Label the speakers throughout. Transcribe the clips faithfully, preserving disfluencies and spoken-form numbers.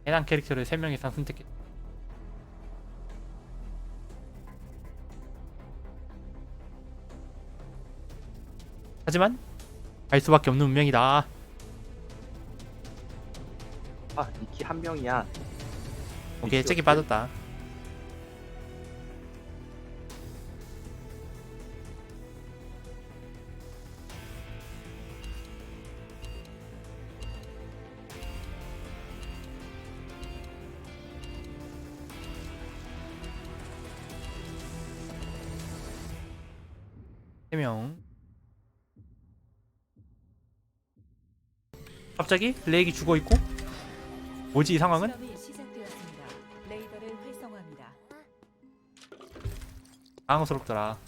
Speaker 1: 해당 캐릭터를 세 명 이상 선택해. 하지만 갈 수밖에 없는 운명이다.
Speaker 2: 아, 니키 한 명이야.
Speaker 1: 오케이,
Speaker 2: 미키
Speaker 1: 잭이
Speaker 2: 어때?
Speaker 1: 빠졌다. 세 명. 갑자기 레이기 죽어 있고? 뭐지 이 상황은?
Speaker 3: 실험이 시작되었습니다. 레이더를 활성화합니다.
Speaker 1: 당황스럽더라.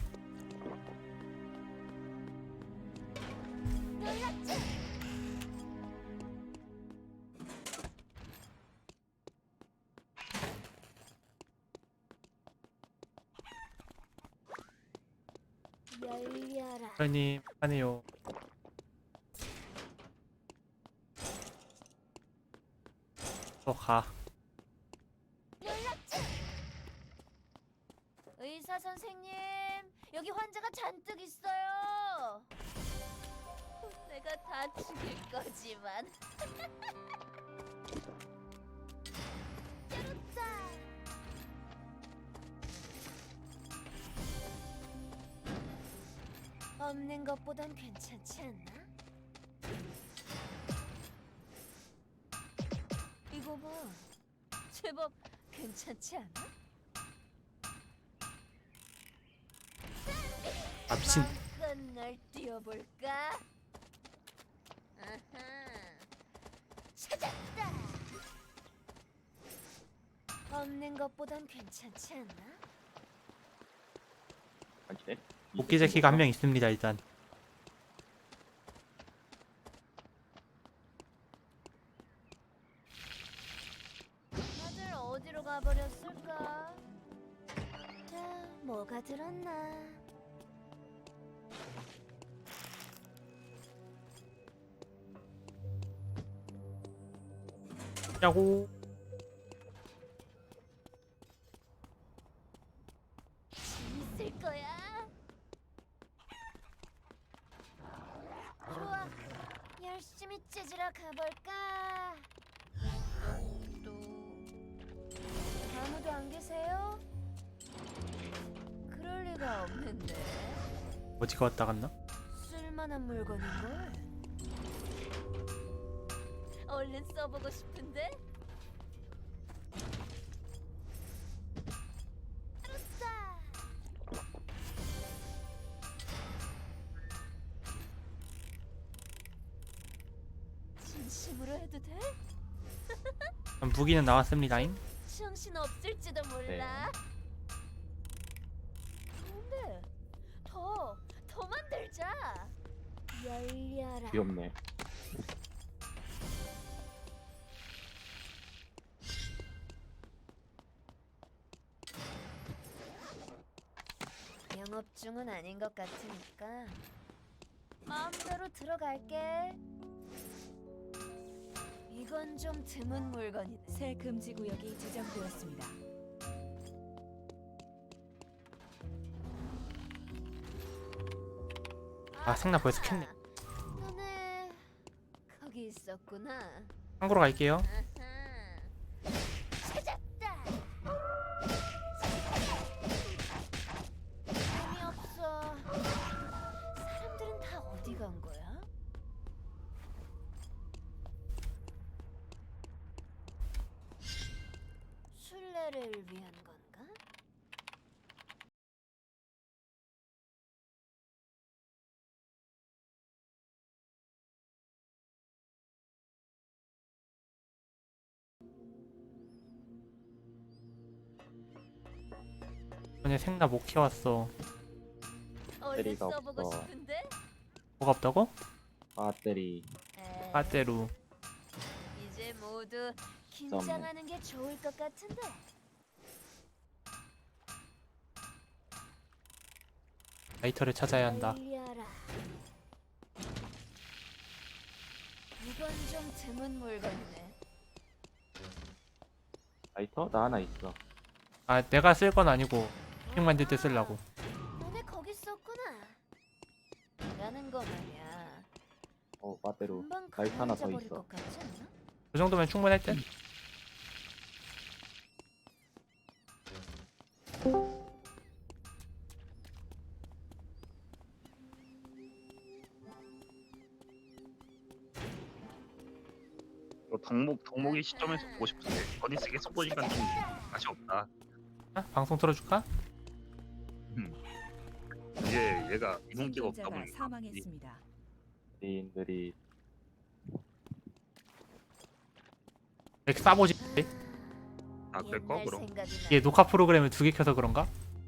Speaker 4: 열려라.
Speaker 1: 사장님 하네요. 또 가.
Speaker 4: 의사 선생님, 여기 환자가 잔뜩 있어요. 내가 다 죽일 거지만. 때렸다. 없는 것보단 괜찮지 않나? 이거 봐, 제법 괜찮지 않아?
Speaker 1: 아 미친.
Speaker 4: 마음껏 날 뛰어볼까? 아하, 찾았다. 없는 것보단 괜찮지 않나?
Speaker 2: 아니네.
Speaker 1: 복귀 제키가 한 명 있습니다 일단.
Speaker 4: 다들 어디로 가버렸을까? 자, 뭐가 들었나?
Speaker 1: 야고.
Speaker 4: 재밌을 거야. 좋아, 열심히 째지러 가볼까? 또 아무도 안 계세요? 그럴 리가 없는데.
Speaker 1: 어디가 왔다 갔나?
Speaker 4: 쓸만한 물건인걸. 얼른 써보고 싶은데. 알았다. 진심으로 해도 돼?
Speaker 1: 무기는 나왔습니다잉.
Speaker 4: 정신 없을지도 몰라. 근데 더, 더 만들자. 열려라.
Speaker 2: 귀엽네.
Speaker 4: 영업 중은 아닌 것 같으니까 마음대로 들어갈게. 이건 좀 드문 물건이네.
Speaker 3: 새 금지 구역이 지정되었습니다.
Speaker 1: 아, 생나 벌써 켰네.
Speaker 4: 너네 거기 있었구나.
Speaker 1: 참고로 갈게요.
Speaker 4: 아하. 찾았다. 재미없어. 사람들은 다 어디 간 거야? 순례를 위한 건가?
Speaker 1: 전에 생나 못 키웠어.
Speaker 4: 얼른
Speaker 2: 배터리가
Speaker 4: 써보고
Speaker 2: 없어.
Speaker 4: 싶은데?
Speaker 1: 뭐가 없다고?
Speaker 2: 배터리.
Speaker 4: 에이,
Speaker 1: 빠떼루.
Speaker 4: 이제 모두 긴장하는 게 좋을 것 같은데.
Speaker 1: 라이터를 찾아야 한다.
Speaker 4: 열려라. 이건 좀 드문 물건이네.
Speaker 2: 라이터? 나 하나 있어.
Speaker 1: 아 내가 쓸 건 아니고 핑 만들 때 쓰려고.
Speaker 4: 너네 거기 있었구나. 라는 거 말이야.
Speaker 2: 어 빠대로
Speaker 4: 금방
Speaker 2: 라이터 하나 더
Speaker 4: 가라앉아버릴
Speaker 2: 있어.
Speaker 4: 것 같지 않아?
Speaker 1: 그 정도면 충분할 듯?
Speaker 5: 어, 덕목 덕목이 시점에서 보고 싶은데 버니스 계속 보니까 좀 맛이 없다.
Speaker 1: 아, 방송 틀어줄까?
Speaker 5: 이게 얘가 이동기가 없다
Speaker 3: 생존자가
Speaker 5: 보니까 이-
Speaker 3: 사망했습니다.
Speaker 2: 지인들이
Speaker 1: 왜 이렇게 싸보지?
Speaker 5: 아 그럴까
Speaker 4: 옛날
Speaker 5: 그럼
Speaker 4: 생각이 나.
Speaker 1: 얘 녹화 프로그램을 두 개 켜서 그런가?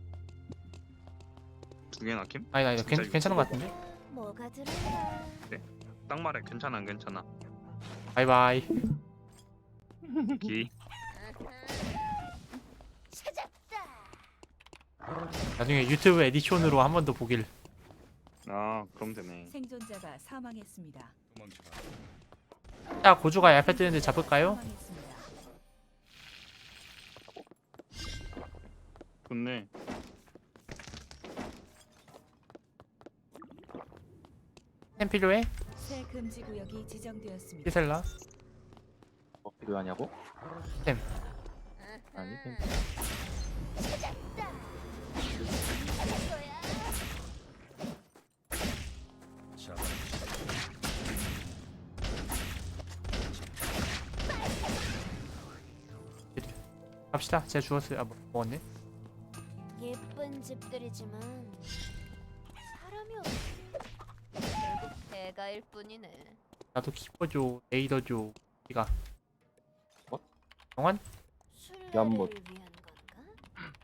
Speaker 5: 두 개나 킴?
Speaker 1: 아니 아니
Speaker 5: 진짜
Speaker 1: 괜,
Speaker 5: 이거
Speaker 1: 괜찮은 것 같은데?
Speaker 4: 뭐가 들어가?
Speaker 5: 딱 말해 괜찮아 안 괜찮아.
Speaker 1: 바이바이.
Speaker 5: 기
Speaker 4: 찾았다.
Speaker 1: 나중에 유튜브 에디션으로 한 번 더 보길.
Speaker 5: 아 그럼 되네.
Speaker 3: 생존자가 사망했습니다.
Speaker 1: 자 고주가 얇게 뜨는데 잡을까요?
Speaker 3: 사망했습니다.
Speaker 5: 좋네.
Speaker 1: 템 필요해?
Speaker 3: 새 금지 구역이 지정되었습니다.
Speaker 1: 피셀라?
Speaker 2: 뭐 필요하냐고?
Speaker 1: 템.
Speaker 2: 아니 괜찮아.
Speaker 4: 이거야.
Speaker 1: 갑시다. 제가 주웠어요. 아 뭐, 먹었네.
Speaker 4: 예쁜 집들이지만 사람이 없네. 결국 대가일 뿐이네.
Speaker 1: 나도 키퍼 줘. 레이더 줘. 이가.
Speaker 2: 뭐?
Speaker 1: 영환?
Speaker 4: 술래를
Speaker 2: 연못.
Speaker 4: 위한 건가?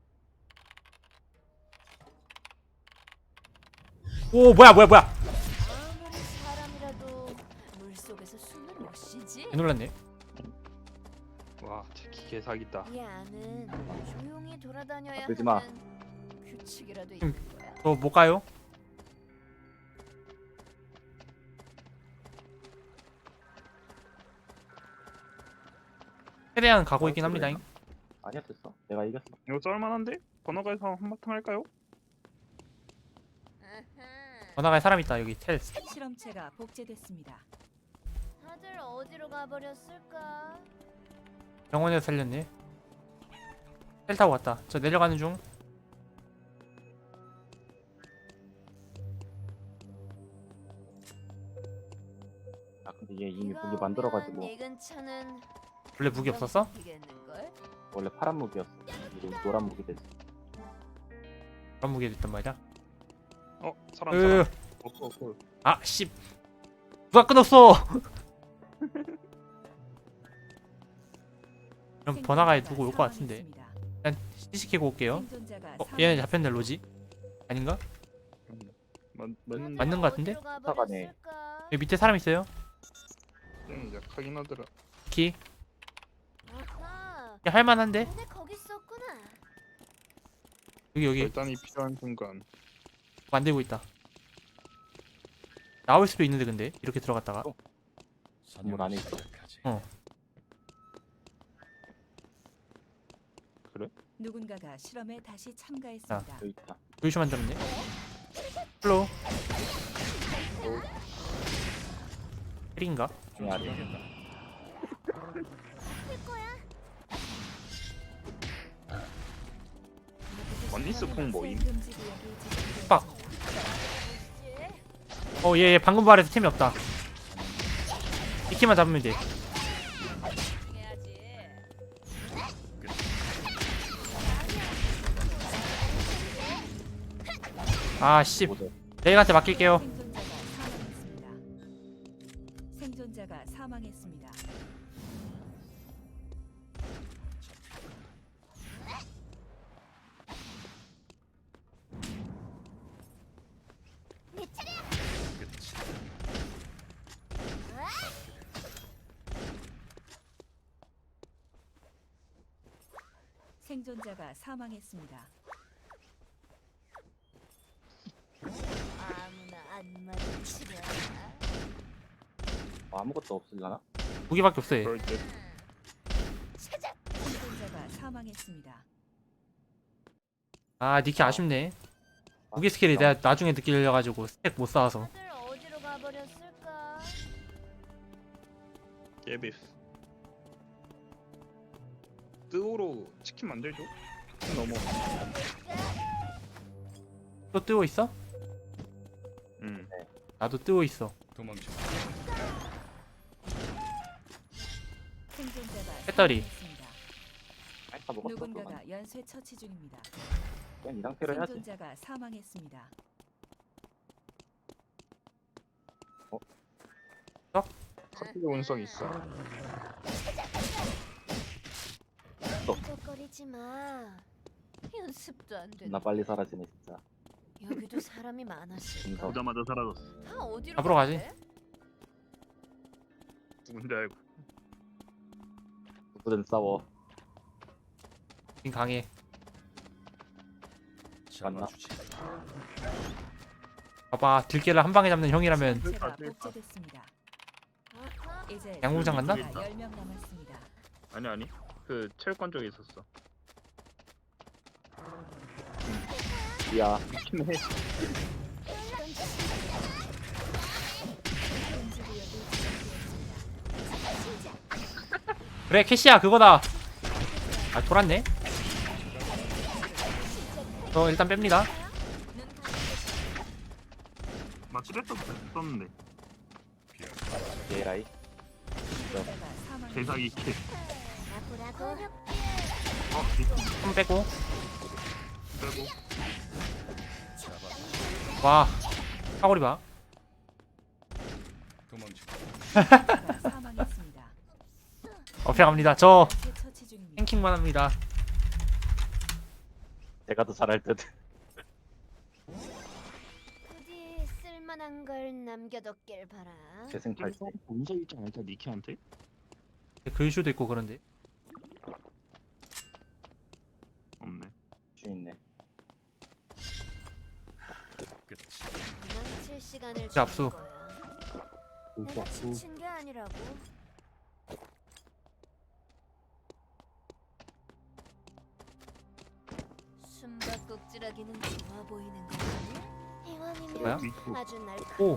Speaker 1: 오 뭐야 뭐야 뭐야.
Speaker 4: 아무리 사람이라도 물 속에서 숨을 못 쉬지.
Speaker 1: 개 놀랐네.
Speaker 5: 와 특히 개사기다.
Speaker 4: 이 안은 조용히 돌아다녀야
Speaker 2: 아프지 마.
Speaker 4: 하는 규칙이라도
Speaker 1: 음.
Speaker 4: 있는 거야.
Speaker 1: 저 못 가요? 최대한 가고 있긴
Speaker 2: 아,
Speaker 1: 합니다.
Speaker 2: 그래요? 아니었어. 내가 이겼어.
Speaker 5: 이거 썰만한데? 번화가에서 한바탕 할까요?
Speaker 4: 아하.
Speaker 1: 번화가에 사람 있다. 여기 텔.
Speaker 3: 실험체가 복제됐습니다.
Speaker 4: 다들 어디로 가버렸을까?
Speaker 1: 병원에서 살렸네. 텔 타고 왔다. 저 내려가는 중.
Speaker 2: 아 근데 얘 이미
Speaker 4: 비가
Speaker 2: 무기 만들어가지고
Speaker 4: 오면 이 근처는
Speaker 1: 원래 무기 없었어?
Speaker 4: 이겠는걸?
Speaker 2: 원래 파란 무기였어. 이제 노란 무기 됐어.
Speaker 1: 그런 무기 됐단 말이야.
Speaker 5: 어 사람
Speaker 1: 으,
Speaker 5: 사람. 어, 어, 어.
Speaker 1: 아 씨. 누가 끊었어? 그럼 번화가에 두고 올 것 같은데. 일단 시시키고 올게요.
Speaker 3: 생존자가
Speaker 1: 어 얘네 잡혔네 로지? 아닌가?
Speaker 5: 맞 맞는
Speaker 1: 맞는 것 같은데?
Speaker 4: 어디로
Speaker 2: 사과네.
Speaker 4: 가버렸을까?
Speaker 1: 여기 밑에 사람 있어요.
Speaker 5: 좀 약하긴 하더라.
Speaker 1: 키.
Speaker 4: 아하.
Speaker 1: 야, 할만한데?
Speaker 4: 너네 거기 있었구나.
Speaker 1: 여기 여기
Speaker 5: 결단이 필요한 순간.
Speaker 1: 만들고 있다. 나올 수도 있는데 근데 이렇게 들어갔다가
Speaker 2: 어. 건물 안에 있어.
Speaker 3: 누군가가 실험에 다시 참가했습니다.
Speaker 2: 여기 있다.
Speaker 1: 조이슈 만들었네. 플로우. 헬인가?
Speaker 2: 중에 아래.
Speaker 5: 원리스 콩 모임.
Speaker 3: 새 금지 구역이 지정되었습니다.
Speaker 1: 빡. 어, 얘, 얘 방금 발에서 템이 없다. 이 키만 잡으면 돼.
Speaker 4: 해야지.
Speaker 1: 아, 씨.
Speaker 2: 모두.
Speaker 1: 레이한테 맡길게요.
Speaker 3: 생존자가 사망했습니다. 생존자가 사망했습니다.
Speaker 4: 내 차례야.
Speaker 3: 생존자가 사망했습니다.
Speaker 4: 아무나 안 맞은 치료야.
Speaker 2: 뭐 아무것도 없을라나?
Speaker 1: 무기밖에 없어 얘.
Speaker 5: 그럴 때
Speaker 4: 찾아.
Speaker 3: 생존자가 사망했습니다.
Speaker 1: 아 니키 아쉽네. 무기 스킬이 내가 나중에 늦게 열려가지고 스택 못 쌓아서.
Speaker 4: 다들 어디로 가버렸을까?
Speaker 5: 예비스. 뜨오로 치킨 만들죠? 치킨 넘어.
Speaker 1: 또 뜨고 있어?
Speaker 5: 응.
Speaker 1: 나도 뜨고 있어.
Speaker 6: 도망쳐.
Speaker 3: 생존자가
Speaker 1: 배터리.
Speaker 3: 사망했습니다.
Speaker 2: 알까 먹었어. 그만.
Speaker 3: 누군가가 연쇄 처치 중입니다.
Speaker 2: 그냥 이 상태로 해야지.
Speaker 3: 생존자가 사망했습니다.
Speaker 5: 커피 원성 있어.
Speaker 4: 쩍거리지 마. 연습도 안 돼.
Speaker 2: 나 빨리 사라지네 진짜.
Speaker 4: 여기도 사람이 많았을까?
Speaker 2: 인성.
Speaker 5: 보자마자 사라졌어.
Speaker 4: 다 어디로
Speaker 1: 잡으러 가지.
Speaker 4: 갔대?
Speaker 5: 누군지 알고.
Speaker 2: 누구든 싸워.
Speaker 1: 닌 강해.
Speaker 6: 잡아주지.
Speaker 1: 봐봐 들깨를 한 방에 잡는 형이라면
Speaker 3: 제가
Speaker 5: 그러니까.
Speaker 3: 복제됐습니다.
Speaker 4: 아하.
Speaker 3: 이제
Speaker 1: 양궁장 간다?
Speaker 3: 생존자가 열 명 남았습니다.
Speaker 5: 아니 아니. 그 체육관 쪽에 있었어.
Speaker 2: 야,
Speaker 5: 미친해.
Speaker 3: 금지구역이 지정되었습니다.
Speaker 1: 그래 캐시야 그거다. 아 돌았네. 저 일단 뺍니다.
Speaker 4: 눈 감고
Speaker 5: 마치레도 썼는데.
Speaker 2: 게라이.
Speaker 3: 생존자가 사망했습니다.
Speaker 5: 대사기 킬.
Speaker 4: 아프라고.
Speaker 5: 어, 이
Speaker 1: 손 빼고.
Speaker 5: 빼고.
Speaker 1: 와 사거리 봐.
Speaker 6: 도망쳐.
Speaker 3: 생존자가 사망했습니다.
Speaker 1: 어필 갑니다. 저
Speaker 3: 연쇄 처치 중입니다.
Speaker 1: 탱킹만 합니다.
Speaker 2: 제가 더 잘할 듯.
Speaker 4: 부디 쓸만한 걸 남겨뒀길 바라.
Speaker 2: 재생 탈 때.
Speaker 5: 본사 있지 않을까 니키한테?
Speaker 1: 글슈도 있고 그런데.
Speaker 5: 없네.
Speaker 2: 주 있네.
Speaker 6: 끝이.
Speaker 4: 도망칠 시간을
Speaker 1: 자, 압수.
Speaker 4: 주는 거야. 내가 지친 게 아니라고. 숨바꼭질하기는 좋아 보이는 거지?
Speaker 1: 뭐야?
Speaker 4: 이왕이면 아주 날
Speaker 1: 오.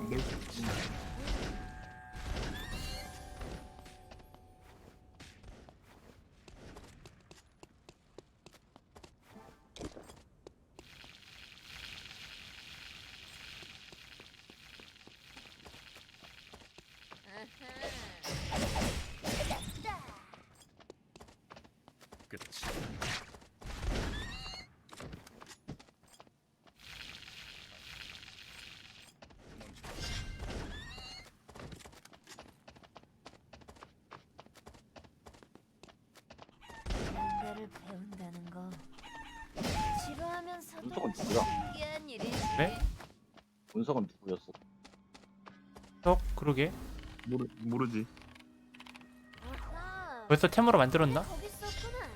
Speaker 6: 끝이. 도망쳐.
Speaker 4: 뭔가를 배운다는 거 지루하면서도
Speaker 2: 운석은 누구야?
Speaker 4: 신기한 일이지.
Speaker 1: 네?
Speaker 2: 운석은 누구였어?
Speaker 1: 어 그러게.
Speaker 5: 모르 모르지.
Speaker 4: 아하,
Speaker 1: 벌써 템으로 만들었나?
Speaker 4: 거기 있었구나.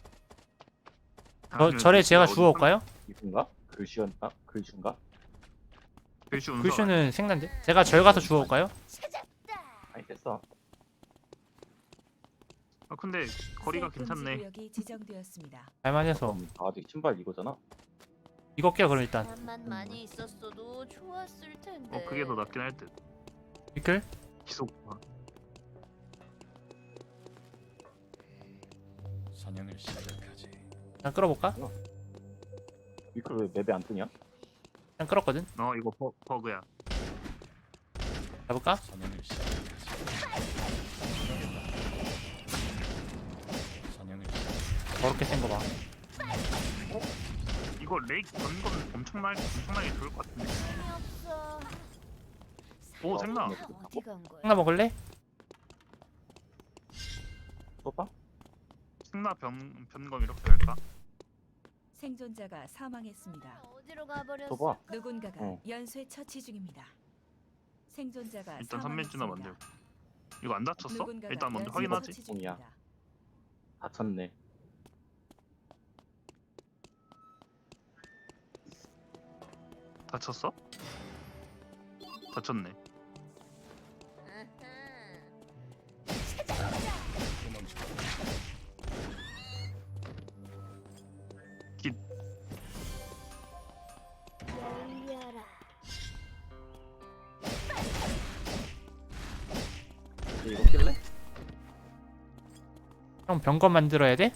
Speaker 1: 저 절에 제가 주워올까요?
Speaker 2: 이분가? 글씨였나? 글씨인가?
Speaker 5: 글슈 운석.
Speaker 1: 글슈는 생난데. 제가 절 가서 주워올까요?
Speaker 4: 찾았다.
Speaker 2: 아니 됐어.
Speaker 5: 아 근데 거리가
Speaker 3: 새
Speaker 5: 괜찮네.
Speaker 3: 금지구역이 지정되었습니다.
Speaker 1: 갈만해서
Speaker 2: 그럼 다 아직 신발 이거잖아.
Speaker 1: 이거 껴 그럼 일단.
Speaker 4: 사람만 많이 있었어도 좋았을 텐데.
Speaker 5: 어 그게 더 낫긴 할 듯.
Speaker 1: 미클
Speaker 5: 지속.
Speaker 6: 사냥을 시작하지.
Speaker 1: 일단 끌어볼까?
Speaker 2: 위클 왜 맵에 안 뜨냐?
Speaker 1: 일단 끌었거든.
Speaker 5: 어 이거 버, 버그야.
Speaker 1: 잡을까?
Speaker 6: 사냥을 시작하지. 사냥을 시작.
Speaker 1: 더럽게 센 거 봐.
Speaker 5: 이거 레이 건건 엄청나게 엄청나게 좋을 것 같은데.
Speaker 4: 재미없어.
Speaker 5: 오 생나.
Speaker 4: 다 어디 간 거야?
Speaker 1: 하나 먹을래?
Speaker 2: 쏘봐?
Speaker 5: 생나 변 변검 이렇게 할까?
Speaker 3: 생존자가 사망했습니다.
Speaker 4: 어디로 가버렸어?
Speaker 2: 쏘봐.
Speaker 3: 누군가가
Speaker 2: 어.
Speaker 3: 연쇄 처치 중입니다. 생존자가
Speaker 5: 일단 삼면주나 만들.
Speaker 3: 사망했습니다.
Speaker 5: 이거 안 다쳤어?
Speaker 3: 누군가가
Speaker 5: 일단 먼저
Speaker 3: 연쇄
Speaker 5: 확인하지.
Speaker 3: 처치 중입니다.
Speaker 2: 다쳤네.
Speaker 5: 다쳤어? 다쳤네.
Speaker 6: 도망쳐.
Speaker 2: 이거 낄래?
Speaker 1: 형 병건 만들어야 돼?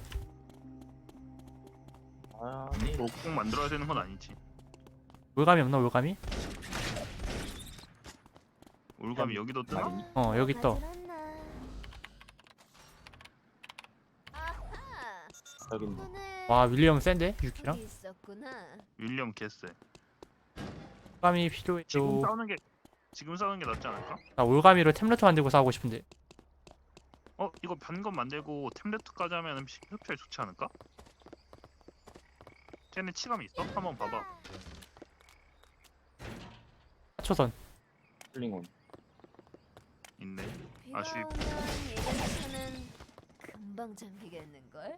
Speaker 2: 아니
Speaker 5: 뭐 꼭 만들어야 되는 건 아니지.
Speaker 1: 올감이 없나 올감이?
Speaker 5: 올감이 여기도 뜨나?
Speaker 2: 아니.
Speaker 1: 어 여기 떠.
Speaker 4: 아하.
Speaker 2: 여기 있네.
Speaker 4: 오늘
Speaker 1: 와 윌리엄 센데?
Speaker 4: 거기
Speaker 1: 유키랑?
Speaker 4: 있었구나.
Speaker 5: 윌리엄 개쎄.
Speaker 1: 올감이
Speaker 5: 지금
Speaker 1: 필요해요.
Speaker 5: 싸우는 게 지금 싸우는 게 낫지 않을까?
Speaker 1: 나 올감이로 템레트 만들고 싸우고 싶은데.
Speaker 5: 어 이거 변검 만들고 템레트까지 하면 흡혈 좋지 않을까? 쟤네 치감이 있어? 한번 봐봐.
Speaker 1: 초선.
Speaker 2: 힐링온.
Speaker 5: 있네.
Speaker 4: 비가
Speaker 5: 아쉽.
Speaker 4: 오면 예전차는 금방 잠기겠는걸?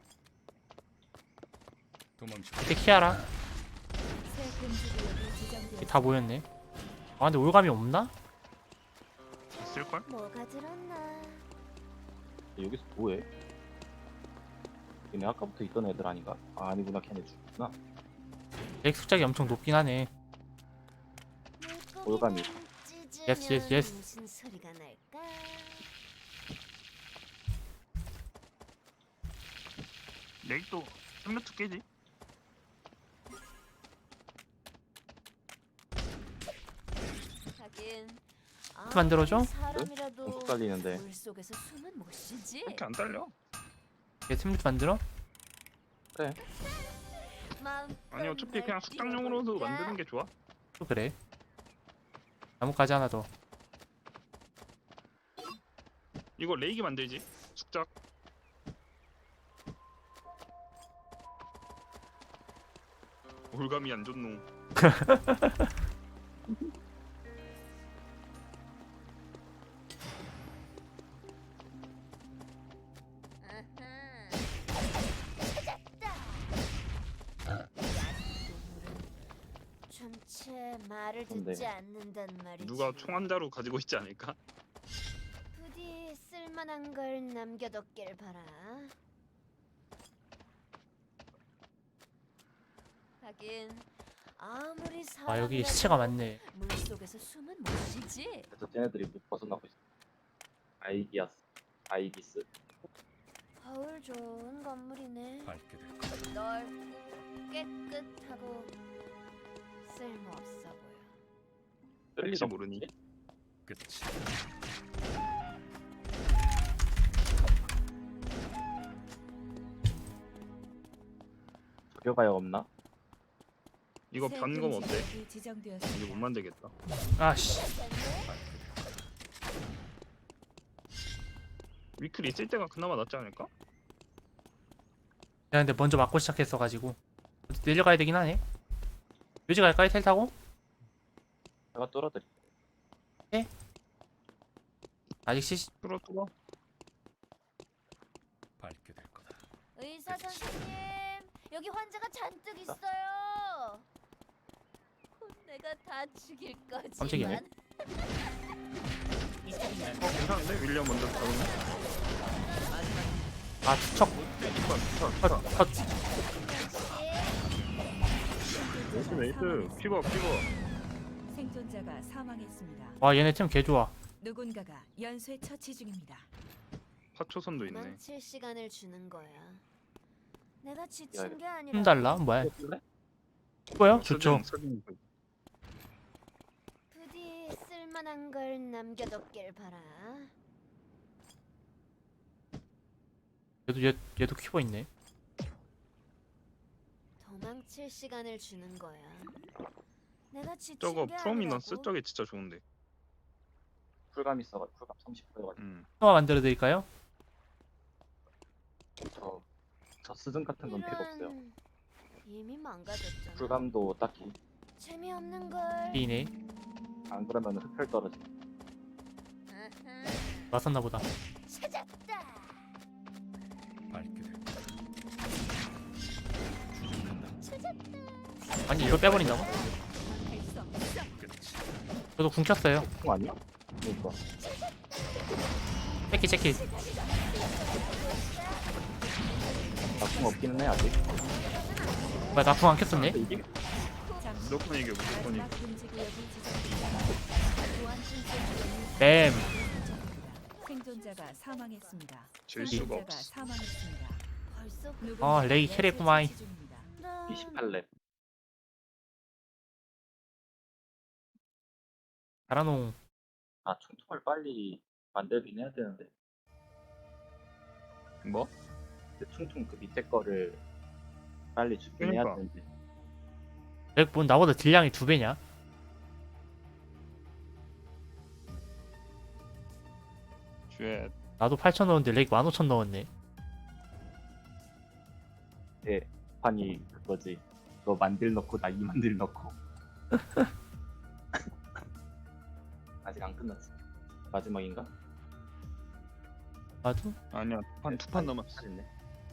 Speaker 6: 도망쳐.
Speaker 1: 이때 키아라.
Speaker 3: 새 금지 구역이 지정되었습니다.
Speaker 1: 다 모였네. 아 근데 올감이 없나?
Speaker 5: 있을걸?
Speaker 4: 뭐가 들었나?
Speaker 2: 여기서 뭐해? 얘네 아까부터 있던 애들 아닌가? 아, 아니구나 걔네 죽구나.
Speaker 1: 렉 숙작이 엄청 높긴 하네.
Speaker 2: 올감이.
Speaker 1: Yes, yes, yes.
Speaker 4: 무슨 소리가 날까?
Speaker 5: 내일도 템레트 깨지?
Speaker 4: 하긴
Speaker 1: 만들어줘?
Speaker 4: 아무리 사람이라도
Speaker 2: 좀 헷갈리는데.
Speaker 4: 물속에서 숨은 못 쉬지.
Speaker 5: 이렇게 안 딸려?
Speaker 1: 얘 템레트 만들어?
Speaker 2: 그래.
Speaker 5: 아니 어차피 그냥 숙당용으로도 만드는 게 좋아.
Speaker 1: 또 그래. 나뭇가지 하나 더.
Speaker 5: 이거 레이기 만들지. 숙작. 올감이 안 좋노.
Speaker 4: 좀채 말을
Speaker 2: 근데
Speaker 4: 듣지 않는단 말이지.
Speaker 5: 누가 총 한 자루 가지고 있지 않을까?
Speaker 4: 부디 쓸만한 걸 남겨뒀길 바라. 하긴 아무리
Speaker 1: 아 여기
Speaker 4: 사람이라도
Speaker 1: 시체가 많네.
Speaker 4: 물속에서 숨은 못 쉬지.
Speaker 2: 그래서 쟤네들이 못 벗어나고 있어. 아이기아스. 아이기스.
Speaker 4: 거울 좋은 건물이네.
Speaker 6: 밟게 될 거야.
Speaker 4: 넓고 깨끗하고 쓸모없어 보여.
Speaker 2: 쓸
Speaker 5: 혹시
Speaker 2: 리가
Speaker 5: 모르니?
Speaker 2: 없지?
Speaker 6: 끝이.
Speaker 2: 저겨봐야 없나?
Speaker 5: 이거
Speaker 3: 새
Speaker 5: 변검
Speaker 3: 금지
Speaker 5: 어때?
Speaker 3: 구역이 지정되었습니다.
Speaker 5: 이거 못 만들겠다.
Speaker 1: 아씨.
Speaker 5: 위클 있을 때가 그나마 낫지 않을까?
Speaker 1: 야 근데 먼저 맞고 시작했어가지고 내려가야 되긴 하네. 묘지 갈까요? 텔 타고?
Speaker 2: 내가 뚫어드릴게.
Speaker 1: 아직 시
Speaker 5: 뚫어 뚫어.
Speaker 6: 밟게 될 거다.
Speaker 4: 의사 선생님, 여기 환자가 잔뜩 있어요. 곧 내가 다 죽일 거지만.
Speaker 1: 깜짝이야.
Speaker 5: 어 괜찮은데? 윌리엄 먼저 잡으면?
Speaker 1: 아 투척 컷 컷.
Speaker 5: 메이스 메이스. 피버 피버.
Speaker 3: 생존자가 사망했습니다.
Speaker 1: 와 얘네 팀 개 좋아.
Speaker 3: 누군가가 연쇄 처치 중입니다.
Speaker 5: 파초선도 있네.
Speaker 4: 도망칠 시간을 주는 거야. 내가
Speaker 2: 야,
Speaker 4: 지친 게 아니라.
Speaker 1: 힘 달라 뭐야?
Speaker 2: 뚫래?
Speaker 1: 뭐야? 좋죠.
Speaker 5: 서진, 서진.
Speaker 4: 부디 쓸만한 걸 남겨뒀길 바라.
Speaker 1: 얘도 얘 얘도 키보 있네.
Speaker 4: 도망칠 시간을 주는 거야. 내가 지친
Speaker 5: 저거
Speaker 4: 게
Speaker 5: 프로미넌스
Speaker 4: 아니라고.
Speaker 5: 저게 진짜 좋은데.
Speaker 2: 쿨감 있어가 쿨감 삼십 퍼센트여가지고
Speaker 5: 음.
Speaker 1: 하나 만들어 드릴까요?
Speaker 2: 저, 저 스승 같은 건 필요 없어요.
Speaker 4: 이런, 이미 망가졌잖아.
Speaker 2: 쿨감도 딱히
Speaker 4: 재미없는 걸.
Speaker 1: 이네
Speaker 2: 안 그러면 흡혈 떨어지.
Speaker 4: 아하,
Speaker 1: 맞았나 보다.
Speaker 4: 찾았다.
Speaker 6: 밟게 될 거다. 추적한다.
Speaker 1: 아니 이걸 빼버린다고?
Speaker 3: 할수 없어.
Speaker 6: 끝이.
Speaker 1: 저도 궁 켰어요.
Speaker 2: 총 아니야? 그러니까.
Speaker 1: 체키 체키.
Speaker 2: 나총 없기는 해 아직.
Speaker 1: 뭐야 나 궁 안 켰었네?
Speaker 2: 근데 이게
Speaker 3: 잠시
Speaker 5: 무조건 이겨 무조건
Speaker 3: 마지막
Speaker 5: 이겨.
Speaker 3: 금지 구역이 지정됩니다. 보안 신청 구역이
Speaker 1: 뱀.
Speaker 3: 지정됩니다. 생존자가 사망했습니다.
Speaker 5: 질 수가
Speaker 3: 생존자가
Speaker 5: 없어.
Speaker 3: 사망했습니다.
Speaker 4: 벌써
Speaker 3: 누군가가
Speaker 1: 어, 레이
Speaker 3: 연쇄
Speaker 1: 캐리구마이.
Speaker 3: 처치 중입니다.
Speaker 4: 그럼
Speaker 2: 이십팔 렙.
Speaker 1: 달아농.
Speaker 2: 아 총통을 빨리 만들긴 해야 되는데
Speaker 5: 뭐?
Speaker 2: 그 총통 그 밑에 거를 빨리 주긴 해야
Speaker 5: 그러니까.
Speaker 2: 되는데
Speaker 1: 렉, 뭔 나보다 딜량이 두 배냐?
Speaker 5: 쉣.
Speaker 1: 나도 팔천 넣었는데 렉 만 오천 넣었네.
Speaker 2: 예 판이 그거지. 너 만들 넣고 나 이 만들 넣고 아직 안 끝났어. 마지막인가?
Speaker 1: 맞아?
Speaker 5: 아니야 한 두 판 남았어.
Speaker 2: 했네.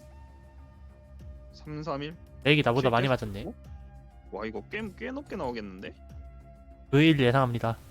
Speaker 5: 삼, 삼 일?
Speaker 1: 렉이 나보다
Speaker 5: 칠
Speaker 1: 많이
Speaker 5: 개?
Speaker 1: 맞았네.
Speaker 5: 와 이거 꽤, 꽤 높게 나오겠는데?
Speaker 1: 그 일 예상합니다.